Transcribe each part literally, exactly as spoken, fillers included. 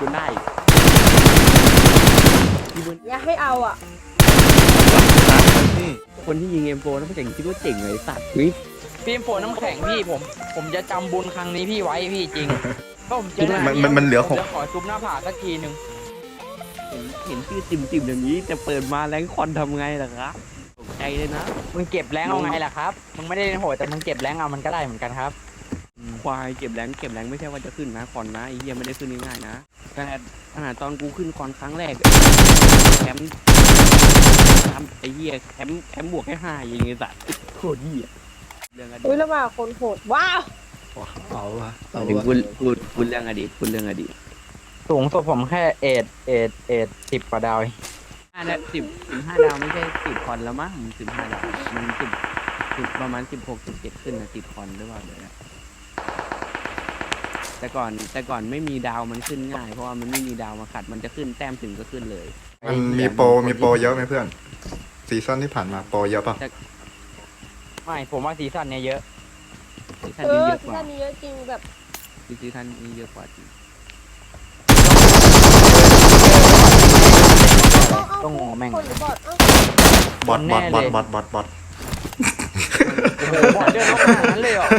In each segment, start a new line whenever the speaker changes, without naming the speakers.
นได้ที่มึง
อย่าให้เอาอ่ะ
นี่
คนที่ยิงเอ็มโฟนั่นเจ๋งคิดว่าเจ๋งเลยสัตว์เฮ้ย
พี่ฝนน้ำแข็งพี่ผมผมจะจำบุญครั้งนี้พี่ไว้พี่จริงก็ผมเจอ
มันมันมันเหลือหก
จะขอซุปหน้าผากสักทีหนึ่ง
เห็นเห็นชื่อติ่มติ่มอย่างนี้แต่เปิดมาแรงคอนทำไงล่ะครับตกใจเลยนะ
มึงเก็บแรงเอาไงล่ะครับมึงไม่ได้เล่นโหดแต่มึงเก็บแรงเอามันก็ได้เหมือนกันครับ
ควายเก็บแรงเก็บแรงไม่ใช่ว่าจะขึ้นนะคอนนะไอ้เหี้ยไม่ได้ขึ้นง่ายๆนะขนาดขนาดตอนกูขึ้นคอนครั้งแรกแคมป์แคมป์ไอ้เหี้ยแคมป์แคมป์บวกแค่ห้ายิงไอ้สัตว์โคตรเหี้ยเรื่องอดี
อุ้ย
ต
แล้วมาคนโหดว้าว
เอาวะเอา
ถึง
วะ
พูดพูดพูดเรื่องอดีตพูดเรื่องอดีต
สูงสุดผมแค่เอ็ดเอ็ดเอ็ดสิบกว่าดาว
ห้าดาวสิบสิบห้าดาวไม่ใช่สิบคอนแล้วมั้งสิบห้าดาวมันสิบสิบประมาณสิบหกสิบเจ็ดขึ้นนะสิบคอนหรือเปล่าเดี๋ยวนะแต่ก่อนแต่ก่อนไม่มีดาวมันขึ้นง่ายเพราะว่ามันไม่มีดาวมาขัดมันจะขึ้นแต้มถึงก็ขึ้นเลย
มันมีโปรมีโปรเยอะไหมเพื่อนซีซั่นที่ผ่านมาโปรเยอะป่ะ
ไม่ผมว่าซีซั่นเนี้ยเยอะ
ซีซั่น
เอ
นี้
อ
เยอะ
ซี
กว่า
ซั่นนี้เยอะจริงแบบ
ซีซั่นนี้เยอะกว่าจริง
ต้องงงแม่ง
คนหรือบอดเอ้า
บอทบอท
แน่
บ
เล
อท
ย
บอทบอทบอท
โอ้โหบอลเดินเข้ามาอย่างนั้นเลยเหรอ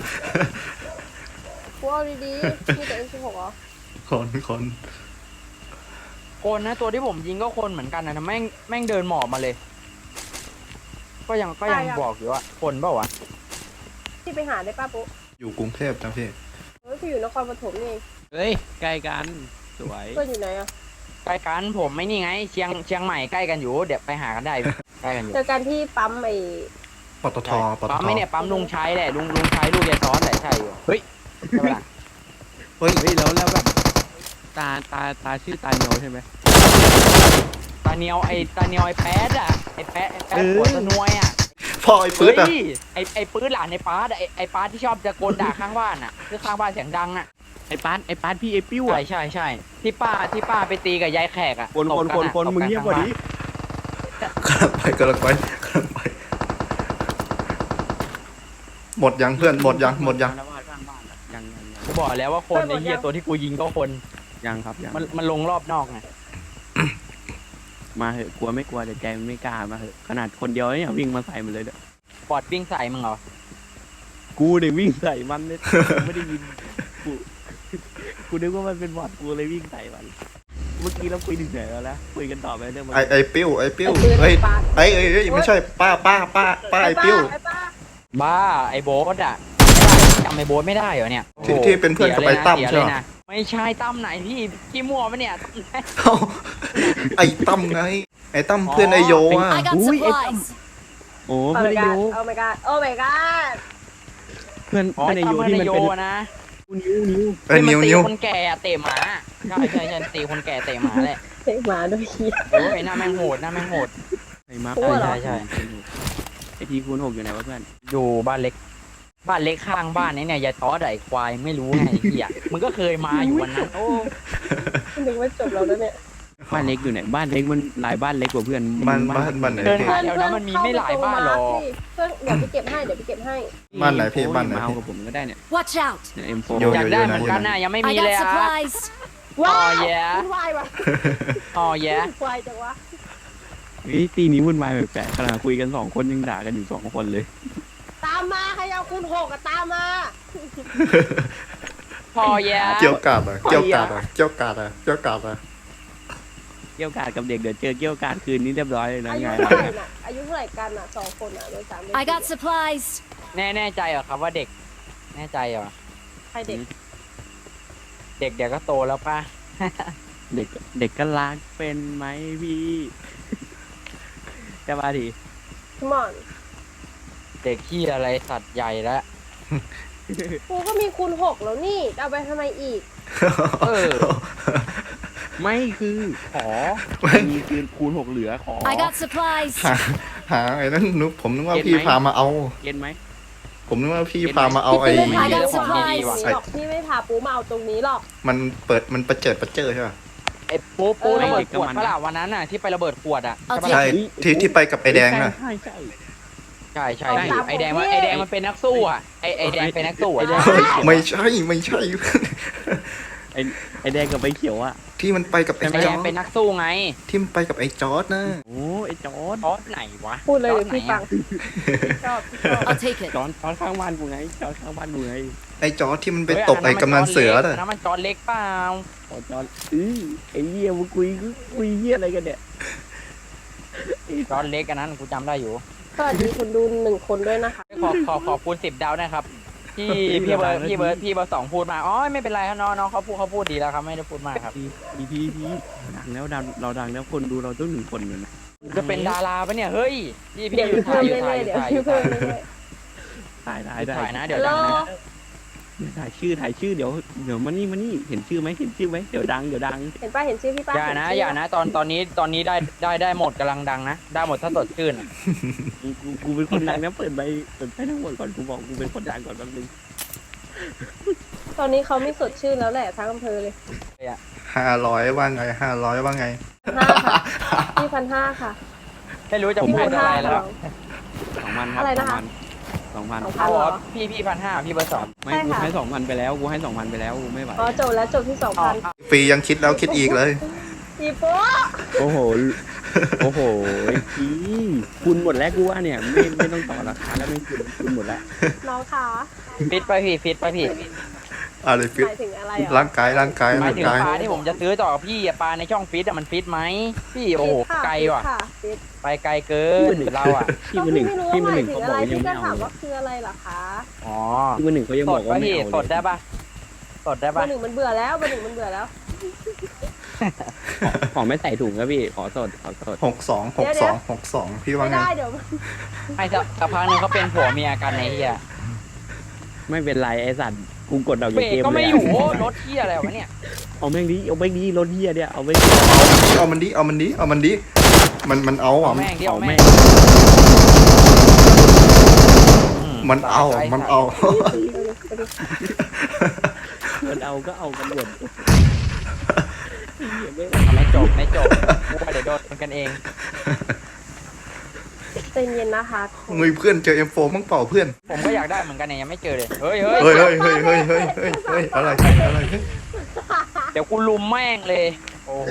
กูเอาดีๆมีแต่ เอ็ม สิบหก เหรอ
คนคน
คนนะตัวที่ผมยิงก็คนเหมือนกันนะแม่งแม่งเดินหมอบมาเลย ก็ยังก็ยังบอกอยู่ว่าคนเปล่าวะ
ที่ไปหาได้ป้าปุ๊
อยู่กรุงเทพนะพี่
เฮ้ยพี่อยู่นครปฐมนี่เอง
เฮ้ยใกล้กันสวย
เพื่อนอยู่ไหนอ่ะ
ใกล้กันผมไม่นี่ไงเชียงเชียงใหม่ใกล้กันอยู่เดี๋ยวไปหากันได้ใกล้กันอยู่
เจอกันที่ปั๊มไอ้
ปตทปต
ปั๊ม
ท
ไม่เนี่ยปั๊มลุงชัยแหละลุงลุงชัยลูกยายซ้อนแหละใช่อยู่เฮ้ยใช่ปะล่ะ
เฮ้ย
เฮ้ยแล้วแล้วแบบตาตาตาชื่อตาเนียวใช่ไหม
ตาเนียวไอ้ตาเนียวไอ้แป๊ดอะไอ้แป๊ดไอ้แป๊ดหัวตะนวยอะ
พ่อไอ้ปื๊
เฮ้
ดอะ
ยไอ้ไอ้ปื๊ดหลานไอ้ป๊าดอะไอ้ไอ้ป๊าดที่ชอบจะโกนด่าข้างบ้านอะคือข้างบ้านเสียงดังอะ
ไอ้ปานไอ้ปานพี่ไอ้ปิ้ว
ใช่
อ่ะ
ใช่ใช่ที่ป้าที่ป้าไปตีกับยายแขกอะ
คน
ตบ
คน
กั
คน
อะ
คน
ตบ
มึงเงียบกว่านี้
กำลังไปกำลังไปกำลังไป หมดยังเพื่อนหมดยังหมดยัง
แล้วว่าข้างบ้านอะยังยังยัง
กูบอกแล้วว่าคนไอ้เหี้ยตัวที่กูยิงก็คน
ยังครับยัง
มันมันลงรอบนอกไง
มาเหอะกลัวไม่กลัวแต่ใจมันไม่กล้ามาเหอะขนาดคนเดียวเนี่ยวิ่งมาใส่มันเลยเด้อบ
อดวิ่งใส่มึงเหรอ
กูเนี่ยวิ่งใส่มันเลยกูไม่ได้ยินกูกูนึกว่ามันเป็นบอทกูเลยวิ่งใส่มันเมื่อกี้เราคุยถึงไหนแล้วนะคุยกันต่อไปเรื่องมัน
ไอไอปิ้วไอปิ้ว
ไอ้ปืน
เฮ้ย
ปาด
ไอเอ้ยเอ้ยไม่ใช่ป้าป้าป้าป้าไอปิ้ว
ไอ้ป้า
บ้าไอ้โบ๊ทอะไม่ได้จำไอ้โบ๊ทไม่ได้เหรอเนี่ย
ที่
โอ้โห
ที่เป็นเพื่อนกับไอ้ตั้ม
เสีย
ใช่
เลย
ไหม
นะไม่ใช่ตั้มไหนพี่พี่มั่วปะเนี่ยตั้มไหน
เอ้าไอตั้มไงไอตั้มเพื่อนไอโยอ่ะ
I got
Ui, em-
supplies.
โอ้
โอ้
เพื่อน
my
ไอโย
god โอ้ my god โอ้ my god
เพื่อน
อ๋อ
เพื่อนไอ
ตั้
โย
มเพื่อน
ที่
ไอ
มัน
โย
เป็น
นะ
นิ้วนิ้ว
เออนิ้ว
ที่
นิ้ว
มัตีคนแก่เตะหมาใช่ใช่ใช่ตีคนแก่เตะหมาแหละ
เฮ้ยหมาด้วยขี้
โอ้ยหน้าแม่งโหดหน้าแม่งโหด
ไอ้มา
กลัวเหรอ
ใช่ใช่
ไอทีคูณหกอยู่ไหนวะเพื่อน
อยู่บ้านเล็ก บ้านเล็กข้างบ้านนี้เนี่ยยายต้อไอ้ควายไม่รู้ไงไอ้เหี้ยมึงก็เคยมาอยู่วันนั้นโอ้
นึกว่าจบแล้วนะเนี่ย
บ้านเล็กอยู่ไหนบ้านเล็กมันหลายบ้านเล็กกว่าเพื่อน
บ้านบ้านบ้านไหน
เดิน
พี่
หาแถวนั้นมันมีไม่หลายบ้านหรอก
เพื่อนเดี๋ยวไปเก็บให้เดี๋ยวไปเก็บให้
บ้านไหนพี่บ้านไหน
มาเอา
พี่
กับผมก็ได้เนี่ย
Watch out.
เนี่ยเอ็มโฟ
โย
อยากได้เหมือนกันนะยังไม่
I
มีเลย
got
อ่ะ
supplies.
ว้า
อ๋
ว
อแย่
วุ่นวายว่ะ
อ๋อแย่
วุ่นวายจังวะ
เฮ้ยตีนี้วุ่นวายแปลกๆขนาดคุยกันสองคนยังด่ากันอยู่สองคนเลย
ตามมาใครเอาคุณหกอะตามมา
พอแย่
เกี่ยวกาดอ่ะเกี่ยวกาดอ่ะเกี่ยวกาดอ่ะเกี่ยวกาดอ่ะ
เกี่ยวกาดกับเด็กเดี๋ยวเจอเกี่ยวกาดคืนนี้เรียบร้อยเลยนะ
อายุ
ไง
เท่าไหร่น่ะอายุเท่าไหร่กันอ่ะสองคนอ่ะโดยสามเดือน
I got supplies.
แน่แน่ใจเหรอครับว่าเด็ก แน่ใจเหรอ
ใครเด็ก
เด็กเดี๋ยวก็โตแล้วป่ะ
เด็กเด็กก็รักเป็นไหมพี่จะมาดิ
มอน
เด็กขี้อะไรสัตว์ใหญ่แล้ว
กูก็มีคุณหกแล้วนี่จะเอาไปทำไมอีก
เออ
ไม่คือขอมีคืนคูณหกเหลือขอ
I got supplies.
หาหาไอ้นั่นนึกผมนึกว่า
เก็ตไหม
พี่พามาเอา
เก็นไหม
ผมนึกว่าพี่พามาเอาไอ้
พี่ไม่พา
I got
ปูมาเอาตรง
supplies
นี้หรอกพี่ไม่พาปูมาเอาตรงนี้หรอก
มันเปิดมันประเจิดประเจอใช่ป่ะ
ไอ้ปูปู
เออ
ระเบิดขวดปะล่ะวันนั้นน่ะที่ไประเบิดขวดอ่ะ
โอเค
ใช่ปะ
ใช่
ล่ะ
ที่ที่ไปกับไอ้แดงน่ะ
ใช่ใช่
ใช่ใช่
เอาตาม
ไอ้แดง
ผม
มัน
ดิ
ไอ้แดงมันเป็นนักสู้อ่ะไอ้ไอ้แดงเป็นนักสู้
ไอ้
อ่ะ
แดง
ไม่ใช่ไม่ใช่
ไอ้ไอ้แดงกับไอ้เขียวอะ
ที่มันไปกับไอ้
ไอ้
จ
แด
อง ร์ด
เป็นนักสู้ไง
ที่มันไปกับไอ้จอร์ดนะ
โอ้ไอ้จอร์ด
จอร์ดไหนวะ
พูดเลย
จอ
เดี๋
ร์
ยว
ดไหน
พี่ฟั
อะ
งชอบชอบ
I'll take it.
จอร์ดจอร์ดข้างบ้านกูไงจอร์ดข้างบ้านกูไง
ไอ้จอร์ดที่มันไป
เฮ้ย
ตบไอ้กำนันเสือ
อั
น่ะ
นนั้นมันจอร์ดเล็กเปล่า
ขอจอร์ดอื้อไอ้เหี้ยมึงคุยคุยเหี้ยอะไรกันเนี่ย
จอร์ดเล็กอันนั้นกูจำได้อยู่
สวัสดีคุณดูหนึ่งคนด้วยนะคะ
ขอขอขอบคุณสิบดาวนะครับที่พี่เบิร์ดพี่เบิร์ดพี่เบิร์ดสองพูดมาอ๋อไม่เป็นไรครับน้องน้องเขาพูดเขาพูดดีแล้วครับไม่ได้พูดมากครับ
พีพีพีดังแล้วดังเราดังแล้วคนดูเราต้องหนึ่งคนเลยนะ
จะเป็นดาราปะเนี่ยเฮ้ยพี่พี่
เดี๋ยว
อยู่
เพิ่
ถ่าย
ม
อยู่
เรื่
ถ่าย
อย
อ
ๆ
ยู่
เดี๋ยว
ถ่ายอยู่
พี่
ถ่าย
เพิ่มเรื่อย
ถ่ายได้ได้
ถ่ายนะเดี๋ยว
ฮัลโหล
ดังนะ
ถ่ายชื่อถ่ายชื่อเดี๋ยวเดี๋ยวมานี่มานี่เห็นชื่อไหมเห็นชื่อไหมเดี๋ยวดังเดี๋ยวดัง
เห็นป้าเห็นชื่อพี่ป้า
อย่านะ
เห็ชื่
อย่านะตอนตอนนี้ตอนนี้ได้ได้ได้หมดกำลังดังนะได้หมดถ้าสดชื่นอะ
กูกูกูเป็นคนดังนะเปิดใบเปิดใบทั้งหมดก่อนกูบอกกูเป็นคนดังก่อนแป๊บนึง
ตอนนี้เขาไม่สดชื่นแล้วแหละทั้งอำเภอเลย
ห้าร้อยว่าไงห้าร้อยว่าไง
ห้าค่ะพี่พันห้าค่ะ
ไม่รู้จะ
พี่
พู
พั
ด
น
อะ
ห้า
ไรแล้ว
สองพันครับ
อะไรนะคะ
สองพัน
สองพั
เอา
นเหรอ
พี่พี่พันห้าพี่เบอร์สอง
ไม่
ใช่
กู
ค่ะ
ให้สองพันไปแล้วกูให้สองพันไปแล้วกูไม่ไหว
อ๋อจบแล้วจบที่สอง
เอา
พัน
ฟรียังคิดแล้วคิดอีกเลย
อีโป๊ะ
โอ้โหโอ้โหพี่คุณหมดแล้วกูว่าเนี่ยไม่ไม่ต้องต่อราคาแล้วไม่คุณคุณหมดแล้ว
น้องขา
ฟิตไปพี่ฟิตไปพี่
อะไรฟิต
หมายถึงอะไรอ่ะ
ร่างกายร่างกาย
หมาย
ร่าง
ถึง
กาย
ปลาที่ผมจะซื้อต่อพี่อะปลาในช่องฟิตอะมันฟิตไหมพี่โอ้โห
ฟิตค่ะ
ไกลว่ะ
ฟิตค่ะฟิต
ไปไกลเกินเราอะ
พี่
ก็
มือห
พี่
นึ่ง
ไม่รู้
พี่
ว่า
มือ
ห
ห
มา
นึ่
ย
งเขา
ถึง
บ
อะ
อก
ไร
ว่ายัง
พี่
ไม่เอาเลย
ก็ถามว่าคืออะไรเหรอคะ
อ๋อ
พี่มือหนึ่งเขายัง
ส
บอ
ด
กว่า
ป่ะ
ไม่
พี่
เอา
สด
เลย
ได้ป่ะสดได้
เบอ
ป่ะ
ร์หนึ่งมันเบื่อแล้วเบอร์หนึ่งมันเบื่อแล้ว
ขอขอไม่ใส่ถุงครับพี่ขอสดขอสด
หกสองหกสองหกสองพี่ว่า
ไม่
ไง
ได้เดี๋ยวมัน
ไม่สักสักพักหนึงเขาเป็นผัวเมียกันไอ้เหี้ย
ไม่เป็นไรไอ้สัตว์กูกดดอก
เบร
จาก
ก
เกม
ก็
เล
ไม่
ย
อยู่
อะ
โอ้รถเหี้ยอะไรวะเนี่ย
เอาแม่งดิเอาแม่งดิรถเฮียเนี่ยเอาไป
เอามันดิเอามันดิเอามันดิมันมันเอา
เอา
อ่ะ
แม่งดิเอา
เอา
แม่
แม่
ง
ง
อื
มันเอา
ตย
มันเอา
มันเอาก็เอากันหมดเหี้ยไม่
ไม่จบไม่จบกูว่าเดี๋ยวโดนกันเอง
ใจเย็นนะคะ
เงยเพื่อนเจอเอ็มโฟมั่งเปล่าเพื่อน
ผมก็อยากได้เหมือนกันเนี่ยยังไม่เจอเลยเฮ้ยเฮ้ย
เฮ้ยเฮ้ยเฮ้ยเฮ้ยเฮ้ยเฮ้ยเฮ้ยอะไรอะไรเฮ้ย
เดี๋ยวกูลุมแม่งเลย โอ้โห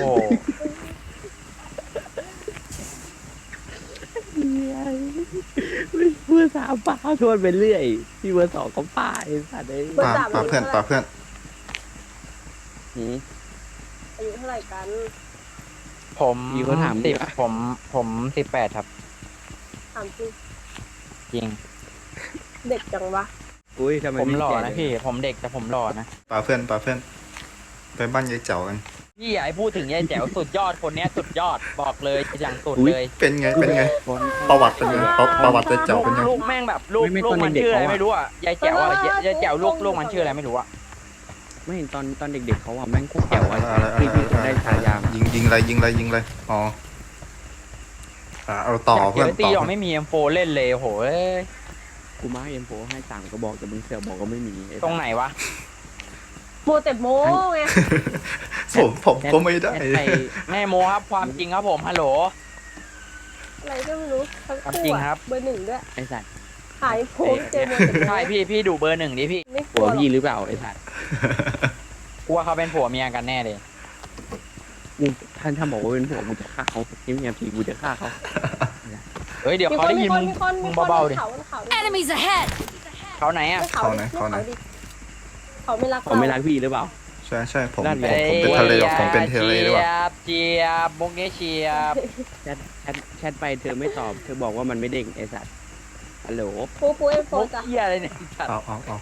เพื่อสามป่าชวนไปเรื่อยพี่เบอร์สองก็ป่าไอ้สัตว์ไอ้
ป่าป่าเพื่อนป่าเพื่อน
หืม
อายุเท่าไหร่กัน
ผม
มีคนถาม
สิบ
ว่า
ผมผมสิบแปดครับ
ถามจริง
จริง
เด็กจังวะ
อุ้ยทำไม
ผมหล่อ
แก่
นะพี่ ผมเด็กแต่ผมหล่อนะ
ป่าเพื่อนป่าเพื่อนไปบ้านยายเจ๋ากัน
พี่อย่าให้พูดถึงยายแจ๋วสุดยอดคนเนี้ยสุดยอดบอกเลยอย่างสุดเลย
เป็นไงเป็นไง
คน
ประวัติเป็นไงประประวัติยายเจ๋าเป็นไง
ลูกแม่งแบบลูก
ไม่ไม่
ลูก
ตอน
มัน
เด็กๆ
ชื่ออะไร
เขาอะ
ไม่รู้อ่ะยายแจ๋วอ่ะยายยายแจ๋วลูกลูกมันชื่ออะไรไม่รู้อ่ะ
ไม่เห็นตอนตอนเด็กๆเขาอ่ะแม่งโคตรแจ๋วอ่ะ
อะไรอะไร
พี่พี่ได้ฉายา
ยิงยิงอะไรยิงอะไรยิงอะไรอ๋ออ่าเอาต่อ
อยาก
เพื่อน
เจอตี
ต่อ
หรอกไม่มีเอ็มโฟเล่นเลยโอ้โหเอ้ย
กูมาเอ็มโฟให้สั่งก็บอกแต่มึงเสือกบอกก็ไม่มีไอ้
ตรงไหนวะ
โมแต่โมไง
ผมผมก็ไม่ได้
แอดไป
แม่โมครับความจริงครับผมฮัลโหล
อะไรก็ไม่รู้ทั้ง
ความ
คู่
จริง
อะ
ครับ
เบอร์หนึ่งด้วย
ไอ้สัตว์
หายโพสเจอโมแต่โม
ใช่พี่พี่ดูเบอร์หนึ่งดิพี่
ไม่ก
ผั
ลั
ว
วหรอก
พี่หรือเปล่าไอ้สัตว์
กลัวเขาเป็นผัวเมียกันแน่เลย
กูท่านถ้าบอกว่าเป็นผัวกูจะฆ่าเขาเงียบๆทีกูจะฆ่าเขา
เฮ้ยเดี๋ยว
มี
เขา
คน
ได้
มี
ยิน
ค
มึ
น
ง
มีคน
มึ
มี
ง
คน
เบาๆ
บ
ดิ
นเขาบนเขาดิ
Enemies ahead!
เขาไหนอ่ะ
บนเขา
เขาไหน
ดิ
เขาไหน
ดิเขาไม่รัก
เขาไม่รักพี่หรือเปล่า
ใช่ใช่ผม
นั่น
ผ
ไง
มผมเป็นทะเลหรอกผมเป็นทะเลหรือเปล่า
เจียบเจียบมุกนี้เชียบ
แชทแชทแชทไปเธอไม่ตอบ เธอบอกว่ามันไม่เด้งไอ้สัตว์ฮัลโหล
ปูปูเอ็มโฟ
มุก
จ้ะ
เหี้ยอะไรเนี่ย
เอาเอาเอา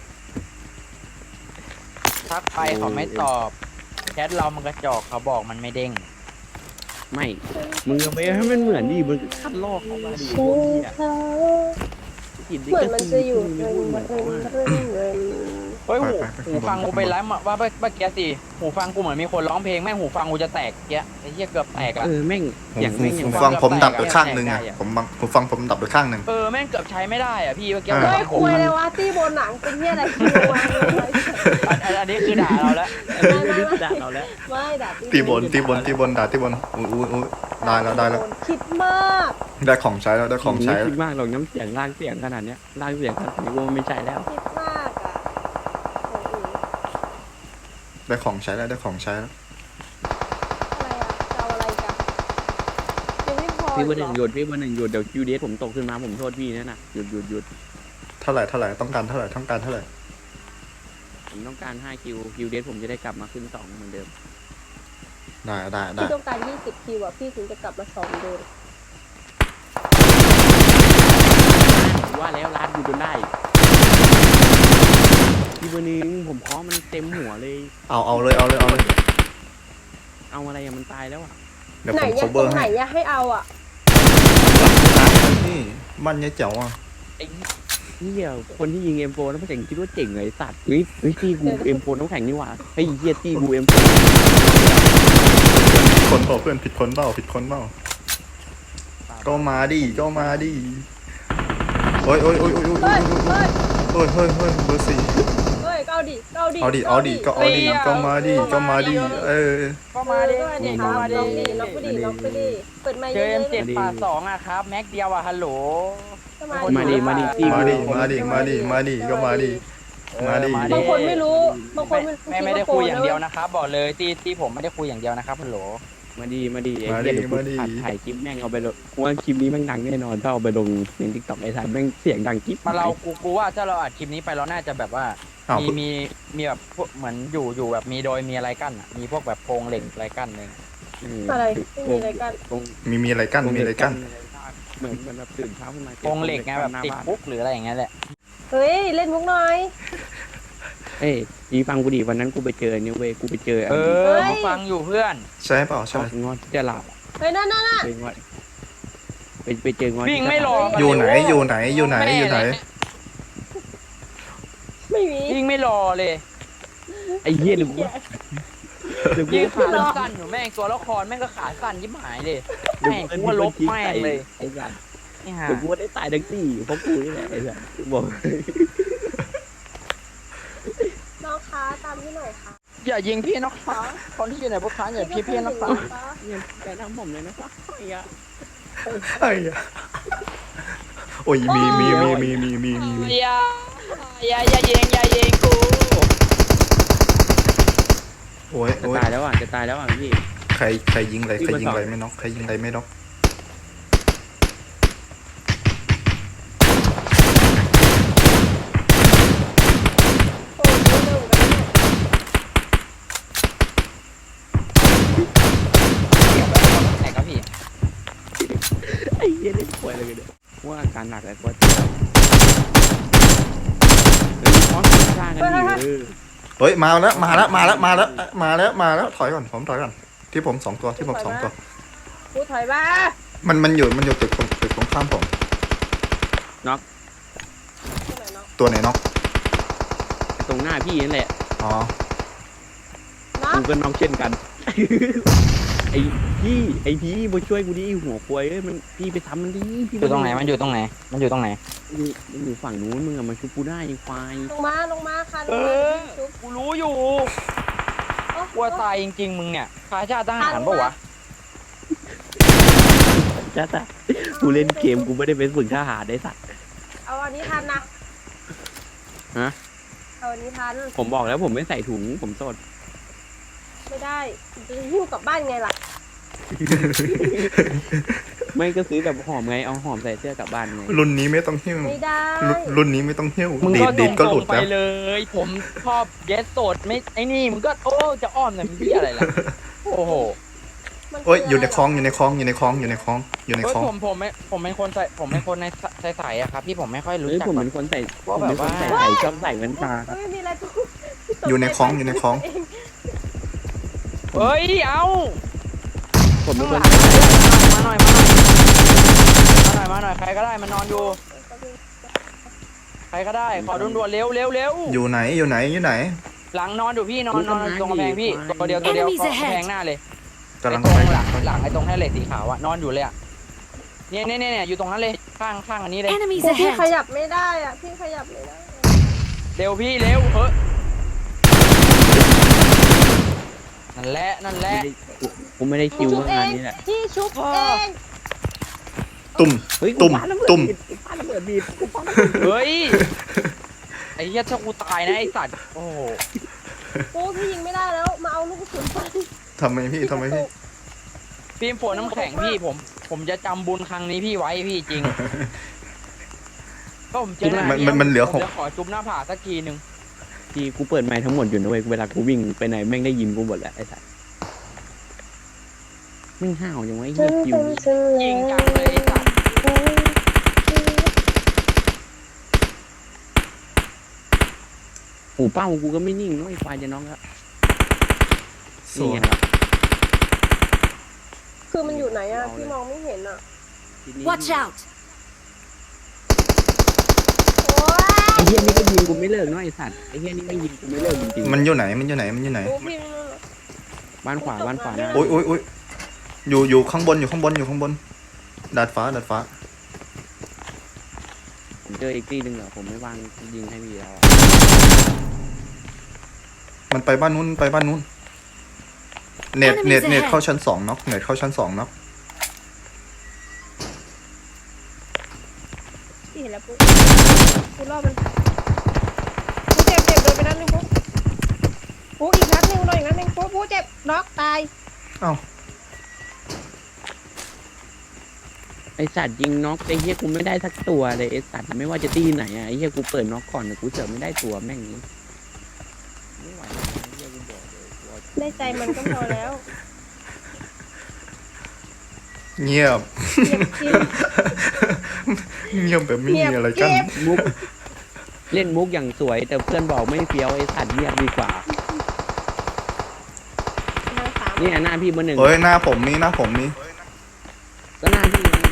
ทักไปเขาไม่ตอบแชทเรามันกระจอกเขาบอกมันไม่เด้ง
ไม่มึงเอาไปให้มันเหมือนดิมึงคัดลอกเข้ามาดิพวกเหี้ยกินดิ
เหมือนมันจะอยู่
เห
เงิน
มือน
เงินเงินเงิน
เฮ้ยหูหูฟังกูไปไลฟ์มาว่าเมื่อกี้สิหูฟังกูเหมือนมีคนร้องเพลงแม่งหูฟังกูจะแตกเกี้ยไอ้เหี้ยเกือบแตกอะ
เออแม่ง
ผม
อย่าง
ผม
แม่งอย่าง
ผม
ว่า
ฟังผมดับไป
แตก
ข้างหนึ่ง
แต
อ่ะ
กอะ
ผมบังผมฟังผมดับไปข้างหนึ่ง
เออแม่งเกือบใช้ไม่ได้อ่ะพี่เมื่อกี้
อ่า
เฮ้ยคุยเลยวะที่บนหนังเป็นที่อะไรคิววางเลย
อันอันนี้คือด่าเราแล้ว
ไม่ไม่ได้ด่าเราแล้ว
ไม่ด่า
ตีบนตีบนตีบนด่าตีบนอุ้ยอุ้ยอุ้ยได้แล้วได้แล้ว
คิดมาก
ได้ของใช้แล้วได้ของใช้
ไม่
แล้ว
คิดมากหรอกน้ำเสียงลากเสียงขนาดเนี้ยลากเสียงขนาดนี้ว่ามันไม่ใช่แล้ว
คิดมากอ่ะ
ได้ของใช้แล้วได้ของใช้แล้ว
อะไรอะจะเอาอะไรกันยังไม่พอ
พี่เบอร์ห
เหร
นึ่ง
อ
หยุดพี่เบอร์หนึ่งหยุดเดี๋ยวคิวเดสผมตกขึ้นมาผมโทษพี่นั่นน่ะหยุดหยุดหยุด
เท่าไหร่เท่าไหร่ต้องการเท่าไหร่ต้องการเท่าไหร่
ผมต้องการห้าคิวคิวเดสผมจะได้กลับมาขึ้นสองเหมือนเดิม
ได้ได้ได้
พี่ต้องการยี่สิบคิวอะพี่ถึงจะกลับมาสองเดิม
ว่าแล้วร้านกูจนได้พี่เบอร์หนึ่งผมเคาะมันเต็มหัวเลย
เอาเอาเลยเอาเลยเอาเลย
เอาอะไรอะมันตายแล้วอะ
เดี๋ยว
ไหน
ผม
เนี่ย
cover
ตรงไหน
ให้
เนี่ยให้เอาอะ
นี่มันเนี่ยเจ๋วอ่ะ
ไอ้เหี้ยคนที่ยิงเอ็มโฟน้ำแข็งคิดว่าเจ๋งเลยสัตว์เฮ้ยเฮ้ยตีกูเอ็มโฟน้ำแข็งนี่หว่าเฮ้ยเหี้ยตีกูเอ็มโฟ
คนเปล่าเพื่อนผิดคนเปล่าผิดคนเปล่าก็มาดิก็มาดิโอ้ยโอ้ยโอ้ยโอ้ยโอ้ย
เฮ้ยเฮ้ย
เฮ้ยเฮ้ยเฮ้ยเบอร์สี่
เฮ้ยเอาดิเอาดิ
เอาดิเอาดิก็เอาดิก็มาดิก็มาดิเออ
ก็มาดิ
ก็มาดิครับ
มาดิ
ล็อกดิล็อกไปดิล็อกไปดิเปิดไมค์
เจ
เย
อ
อะ
เอ็ม
ๆเล
เจ็
ย
ดป่าสองอะครับแม็กเดียวอะฮัลโหล
ก็
มาดิมาดิตี
มา
กู
ดิมาดิมาดิมาดิก็มาดิมาดิ
บางคนไม่รู้บางคน
ไม่ไม่ไม่ได้คุยอย่างเดียวนะครับบอกเลยที่ที่ผมไม่ได้คุยอย่างเดียวนะครับฮัลโหล
มาดีมาดีไอ้เหี้ยเดี๋ยวกูอัดถ่ายคลิปแม่งเอาไปลงกูว่าคลิปนี้แม่งดังแน่นอนถ้าเอาไปลงในทิกตอกไอ้สัตว์แม่งเสียงดังกิ๊บ
มาเรากูกูว่าถ้าเราอัดคลิปนี้ไปเราน่าจะแบบว่า
เอา
มีมีมีแบบพวกเหมือนอยู่อยู่แบบมีโดยมีอะไรกั้นอะมีพวกแบบโครงเหล็กอะไรกั้นเลย
อะไรไม่มีอะไรกัน
ตรง
มีมีอะไรกั้นมีอะไรกั้น
เหมือนมันแบบตื่นเช้าขึ้นมา
โครงเหล็กไงแบบติดปุ๊กหรืออะไรอย่างเงี้ยแหละ
เฮ้ยเล่นมุกหน่อย
เอ้ยยีฟังกูดิวันนั้นกูไปเจอเนี่ยเว้ยกูไปเจอ
เออมาฟังอยู่เพื่อน
ใช่เปล่า
ชอ
ใช่
บงอนจะหลับ
เฮ้ยนั่นนั่นน่ะ
ไปงอนไปไปเจองอน
วิ่งไม่รอ
อยู่ไหนอยู่ไหนอยู่ไหนอยู่ไหน
ไม่มี
วิ่งไม่รอเลย
ไอ้เหี้ยหรือกูหรือกู
ยิง
ขา
ขาสั้นอยู่แม่งตัวละครแม่งก็ขาสั้นยิบหายเลยแม่งกูว่าลบแม่งเลย
ไอ้สัตว์
นี่ฮะ
เดี๋ยวกูได้ตายทั้งสี่เพราะกูนี่แหละไอ้สัตว์บอก
น้องค้าตามที่หน่อยค่ะ
อย่ายิงพี่นะคะคนที่อยู่ในพวกค้าอย่าพี่พี่นะคะ
เนี่ยแกทำผมเลยนะครับไอ้ยะ
ไอ้ยโอ้ยมีมีมีมีมีมีมีมี
อย่าอย่าอย่ายิงอย่ายิงกู
โอ้ย
จะ
โอ้ย
ตายแล้วอ่ะจะตายแล้วอ่ะพี่
ใครใครยิงอะไรใครยิงอะไรไม่น็อกใครยิงอะไรไม่น็อก
โอ้ยเร็วๆกันเนี่ย
ไหนครับพี่
ไอ้เหี้ยเล่นป่วยเลยเนี่ยว่าอาการหนักแล้วก็จะเฮ้ยคอสข้างกันดิเออ
เฮ้ยมาแล้วมาแล้วมาแล้วมาแล้วมาแล้วมาแล้วถอยก่อนผมถอยก่อนที่ผมสองตัวที่ผมสองตัว
กูถอยมา
มันมันอยู่มันอยู่ตึกตรงตึกตรงข้ามผม
ที่ไหนเนาะ
ตัวไหนน็อก
ตรงหน้าพี่นั่นแหละ
อ๋อ
เนาะ
กูก็น้องเช่นกัน ไอ้พี่ไอ้พี่มาช่วยกูดิหัวควายเอ้ยมันพี่ไปทำมันดิพี่
อยู่ตรงไหนมันอยู่ตรงไหนมันอยู่ตรงไหน
อยู่มันอยู่ฝั่งนู้นมึงอะมาชุบกูได้ไอ้ควาย
ลงมาลงมาค่ะล
เอง
มา
อ
ชุบ
กูรู้อยู่
โอ้
กลัวตายจริงๆมึงเนี่ยข้าชาติทหารปะวะ
จ้าจ้ากูเล่นเกมกูไม่ได้เป็นฝึกทหารได้สัตว์
เอาอันนี้ทันนะ
ฮะ
เอาอันนี้ทัน
ผมบอกแล้วผมไม่ใส่ถุงผมโสด
ไม่ได้จะหิ้วกลับบ้านไงล่ะ
ไม่ก็ซื้อแบบหอมไงเอาหอมใส่เสื้อกลับบ้านไง
รุ่นนี้ไม่ต้องหิ้ว
ไม่ได้
รุ่นรุ่นนี้ไม่ต้องหิ้ว
มึง
ดี
ก็
ด
ต
ดีดก็ห
ร
ลุ
ง
ด
ๆไป
แล้ว
เลย ผมชอบเยสโสดไม่ไอ้นี่มึงก็โอ้จะอ้อมเนี่ยมันพี่อะไรล่ะโอ้โห
มันคื
โอ้ยอยู่ใน
ะไร
คลองอยู่ในคลองอยู่ในคลองอยู่ในคลองอยู่ใน
เฮ้ย
คลอง
ผมผมไม่ผมเป็นคนใส่ผมเป็นคนในใส่ใส่อะครับพี่ผมไม่ค่อยรู้
เฮ้ย
จัก
ผม
แบ
เป็
บ
นคนใส่ผ
ว่าม แบบ
เป็นคน
ว่า
ใส่ใส่ชอบใส่แว่นตาครับ
ไม่มีอะไรทุก
อยู่ในคลองอยู่ในคลอง
เฮ้ยเอา
ผมเป็นคน
มาหน่อยมาหน่อยมาหน่อยมาหน่อยใครก็ได้มันนอนอยู่ใครก็ได้ขอด่วนๆเร็วเร็วเร็ว
อยู่ไหนอยู่ไหนอยู่ไหน
หลังนอนอยู่พี่นอนนอนตรงกำแพงพี่ตัวเดียวตัวเดียว
Enemies
กำแพง
ahead
หน้าเลย
กำลัง
ไอ้ต
ไป
รงหลังหลังไอ้ตรงแท่เหล็กสีขาวอะนอนอยู่เลยอะเนี่ยเนี่ยเนี่ยอยู่ตรงนั้นเลยข้างข้างอันนี้เลย
Enemies
พี่ข
ahead!
ยับไม่ได้อ่ะพี่ขยับไม่ได้
เร็วพี่เร็วเฮ้ยนั่นแหละนั่นแหละ
กูไม่ได้คิว
ชุบเอง
งานนี้แหละ
พี่ชุบเอง
ตุ่ม
เฮ้ย
ตุ่ม
กูปาระเบิด
ตุ่ม
กูปาระเบิดบีบกูปาระเบิด
เฮ้ยไอ้เหี้ยถ้ากูตายนะไอ้สัตว์โอ้โห
กูพี่ยิงไม่ได้แล้ว
ทำไมพี่ทำไมพี่
ฟิล์มฝนน้ำแข็งพี่ผม ผมจะจำบุญครั้งนี้พี่ไว้พี่จริง ก็ผมเจอหน้า
มัน
พี่
มันมันเหลือ
ผ
ห
ม
ก
จะขอจุ๊บหน้าผากสักทีหนึ่ง
ที่กูเปิดไมค์ทั้งหมดอยู่นะเว้ยเวลากูวิ่งไปไหนแม่งได้ยินกูหมดแหละไอ้สัสแม่งห้าวยังไงเหี้ยคิว
ยิงจังเลยไอ้สัตว์
หูเป้ากูก็ไม่นิ่งนะไอ้ควายจะน้องครับ
ส
นี่
วย
ไงครับ
คือมันอยู่ไหนอะพี่มองไม่เห็นอะ
ทีนี้
Watch out!
โอ้ย
ไอ้เหี้ยนี่ก็ยิงกูไม่เลิกเนาะไอ้สัตว์ไอ้เหี้ยนี่ไม่ยิงกูไม่เลิกจริงๆ
มันอยู่ไหนมันอยู่ไหนมันอยู่ไหน
ดูพี่
บ้านขวาบ้านขวานะ
โอ้ยโอ้ยโอ้ยอยู่อยู่ข้างบนอยู่ข้างบนอยู่ข้างบนดาดฟ้าดาดฟ้า
ผมเจออีกทีหนึ่งเหรอผมไม่วางยิงให้พี่แล้วอะ
มันไปบ้านนู้นไปบ้านนู้นเน็ต
Enemies
เน็ตเน็ต
ahead
เข้าชั้นสองน็อกเน็ตเข้าชั้นสองน็อก
พี่เห็นแล้วปุ๊บกูรอบมันกูเจ็บเจ็บโดนไปนัดหนึงปุ๊บปุ๊บอีกนัดหนึงโดนอีกนัดหนึงปุ๊บปุ๊บเจ็บน็อกตาย
เอ้า
ไอ้สัตว์ยิงน็อกไอ้เหี้ยกูไม่ได้สักตัวเลยไอ้สัตว์ไม่ว่าจะตีไหนอะไอ้เหี้ยกูเปิดน็อกก่อนแต่กูเจอไม่ได้ตัวแม่งนี้ไม่ไหวแล้วไอ้เหี้ยกูบอกเลยกูเอา
ได้ใจมันก็พอแล้ว
เงียบ
เงียบจริง
เงียบแบบไม่มีอะไรกัน
เงียบ
มุกเล่นมุกอย่างสวย แต่เพื่อนบอกไม่เฟี้ยวไอ้สัตว์เงียบดีกว่า
นางสาม
เนี่ยหน้าพี่เบอร์หนึ่ง
เฮ้ยหน้าผมนี่หน้าผมนี่
ก็หน้าพี่ไง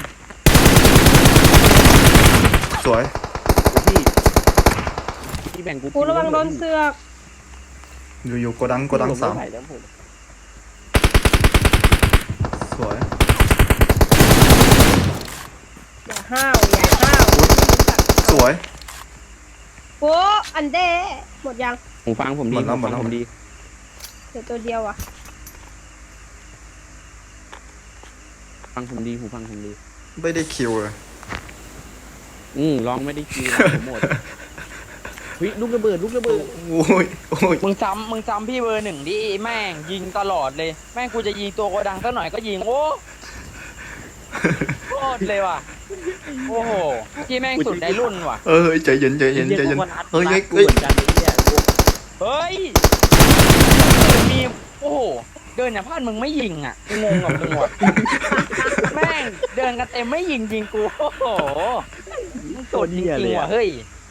สวย
พี่พี่แบ่งกู
กูระวังโดนเสือก
อยู่อยู่โกดังโกดังสาม
ไไหวแล้วผม
สวย
อย่าห้าวอย่าห้าว
สวย
โอ้อันเด้หมดยัง
หูฟังผมดี
หมดแล้ว
หูฟัง
หมดแล้ว
ผมดี
เดี๋ยวตัวเดียวอ่ะ
ฟังผมดีหูฟังผมดี
ไม่ได้คิวเลย
อืมร้องไม่ได้คิวร้องผมหมดเฮ้ยลูกระเบิดลูกระเบิด
โอ้ยโอ้ย
มึงซ้ำมึงซ้ำพี่เบอร์หนึ่งดิแม่งยิงตลอดเลย แม่งกูจะยิงตัวโกดังสักหน่อยก็ยิงโอ้โคตรเลยว่ะโอ้โหที่แม่งสุดในรุ่นว่ะ
เออใจเย็นใจเย็นใจเย็น
เฮ้
เฮ้
ย
ย
กู
เฮ้ย
เหมือนกันไอ้เหี้ยกู
เฮ้ยมีโอ้โหเดินอย่างพลาดมึงไม่ยิงอ่ะกูงงกับมึงว่ะแม่งเดินกันเต็มไม่ยิงยิงกูโอ้โหมึงสุดจริงๆว่ะเฮ้ย